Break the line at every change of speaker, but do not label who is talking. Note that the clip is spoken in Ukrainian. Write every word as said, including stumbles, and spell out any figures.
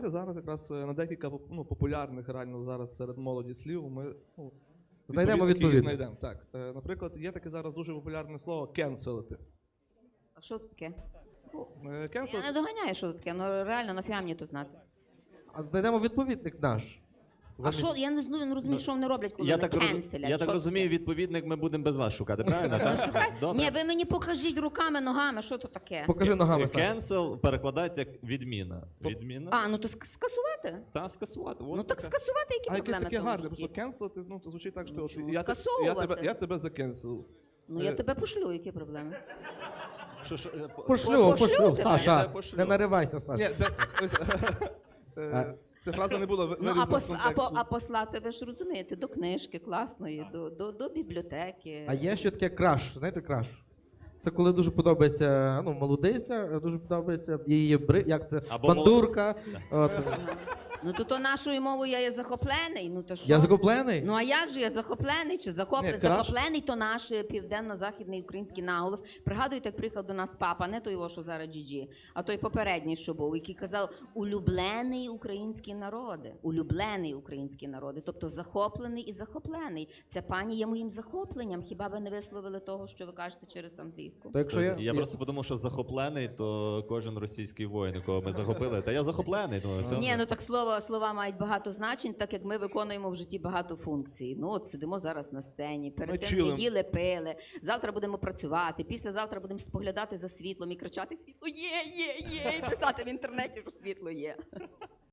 Зараз якраз на декілька ну, популярних реально зараз серед молоді слів ми ну,
знайдемо
відповідники
відповідь.
знайдемо. Так. Е, наприклад, є таке зараз дуже популярне слово «кенселити».
А що це таке?
Ну, е,
Я
cancel-
не доганяю, що це таке, ну реально, нафіга мені то знати.
А знайдемо відповідник наш.
А
Вони-
що, я не знаю, не розумію, що вони роблять, коли
Я
вони
так, роз...
кенселять.
я так
Що
розумію,
таке?
відповідник ми будемо без вас шукати, правильно?
Ну,
так?
шукай.
Добре.
Ні, ви мені покажіть руками, ногами, що то таке?
Покажи ногами, Саша.
Кенсел перекладається як відміна. Відміна?
А, ну то ск- скасувати.
Та скасувати.
Ну так скасувати, які
А якесь
проблеми
таке
в тому
гарне,
житті?
просто «кенселити», ну, це звучить так, що
Ну,
от я, те- я,
скасовувати.
тебе, я тебе закенселив.
Ну я
Е,
тебе пошлю, які проблеми?
Що, що, е, по-
Пошлю,
Пошлю
пошлю,
тебе?
Я
Саша,
тебе пошлю.
не наривайся,
Ні,
Саша.
це, ось, е, ця фраза не була
Ну,
вирізана
а,
з
пос, а, по,
контексту.
а послати, ви ж розумієте, до книжки класної, до, до, до бібліотеки.
А є ще таке краш, знаєте краш? Це коли дуже подобається, ну, молодиця, дуже подобається її бри, як це,
Або
бандурка. От.
Ну то, то нашою мовою я є захоплений, ну то що?
Я захоплений?
Ну а як же я захоплений чи захоплений?
Ні, краш-
Захоплений то наш е, південно-західний український наголос. Пригадуєте, як приклад до нас папа, не той, його, що зараз Джі-Джі, а той попередній, що був, який казав улюблений український народи. Улюблений український народи, тобто захоплений і захоплений. Ця пані є моїм захопленням. Хіба ви не висловили того, що ви кажете через англійську?
То якщо я,
Я просто подумав, що захоплений, то кожен російський воїн, якого ми захопили. Та я захоплений. Ну, все.
Ні, ну так слово, слова мають багато значень, так як ми виконуємо в житті багато функцій. Ну от сидимо зараз на сцені, перед
Ми
тим
чилим.
не їли, пили. Завтра будемо працювати, післязавтра будемо споглядати за світлом і кричати: світло є, є, є, і писати в інтернеті, що світло є.